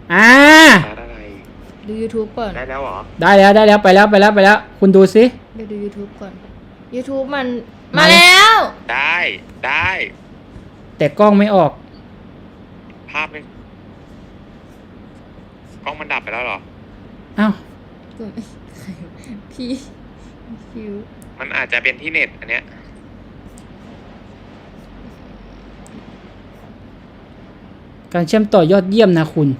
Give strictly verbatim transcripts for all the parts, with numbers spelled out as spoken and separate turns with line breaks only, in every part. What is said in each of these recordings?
อ่า
ดู YouTube ก่อน
ได้แล้วเหรอ
ได้แล้วได้แล้วไปแล้วไปแล้วไปแล้วคุณดูสิ
เดี๋ยวดู YouTube ก่อน YouTube มันมาแล้ว
ได้ได้
แต่กล้องไม่ออก
ภาพไม่กล้องมันดับไปแล้วเหรอ
อ้าว
พี่คิว
มันอาจจะเป็นที่เน็ตอันเนี้ย
การเชื่อมต่อยอดเยี่ยมนะคุณ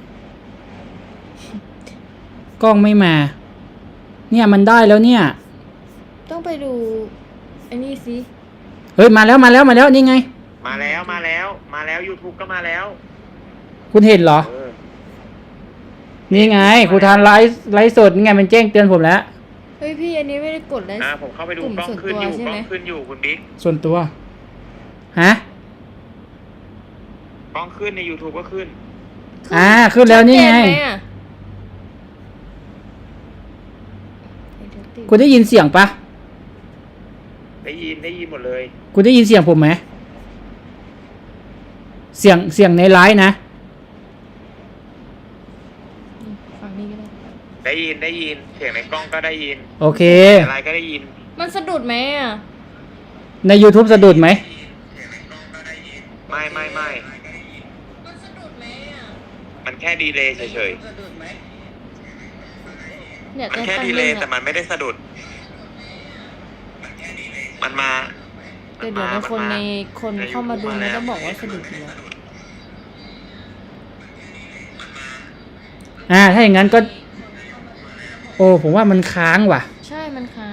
กล้องไม่มาเนี่ยมันได้แล้วเนี่ย
ต้องไปดูไอ้นี่สิ
เฮ้ยมาแล้วมาแล้วมาแล้วนี่ไง
มาแล้วมาแล้วมาแล้ว YouTube ก็มาแล้ว
คุณเห็นเหรอนี่ไงครูทานไลฟ์ไลฟ์สดนี่ไงมันแจ้งเตือนผมแล้ว
เฮ้ยพี่อันนี้ไม่ได้กดไลฟ์
อ่าผมเข้าไปดูกล้องขึ้นอยู่กล้องขึ้นอยู่คุณบิ๊ก
ส่วนตัวฮะ
กล้องขึ้นใน YouTube ก็ขึ้น
อ่าขึ้นแล้วนี่ไงคุณได้ยินเสียงปะ
ได้ยินได้ยินหมดเลย
คุณได้ยินเสียงผมไหมเสียงเสียงในไลฟ์นะ
ฟังนี่ก็ได้
ได้ยินได้ยินเสียงในกล้องก็ได้ยิน
โอเค
อะไรก็ได้ยิน
มันสะดุดไหมอ่ะ
ใน YouTube สะดุดไหม
ไม่ไม่ไม่
มันสะดุดไหมอ่ะ
มันแค่ดีเลย์เฉยๆมันแค่ดีเลย์แต่มันไม่ได้สะดุดมันมา
เดี๋ยวเดี๋ยวในคนในคนเข้ามาดูมันจะบอกว่าสะดุดอยู่แล้ว
อ่าถ้าอย่างนั้นก็โอ้ผมว่ามันค้างว่ะ
ใช่มันค้าง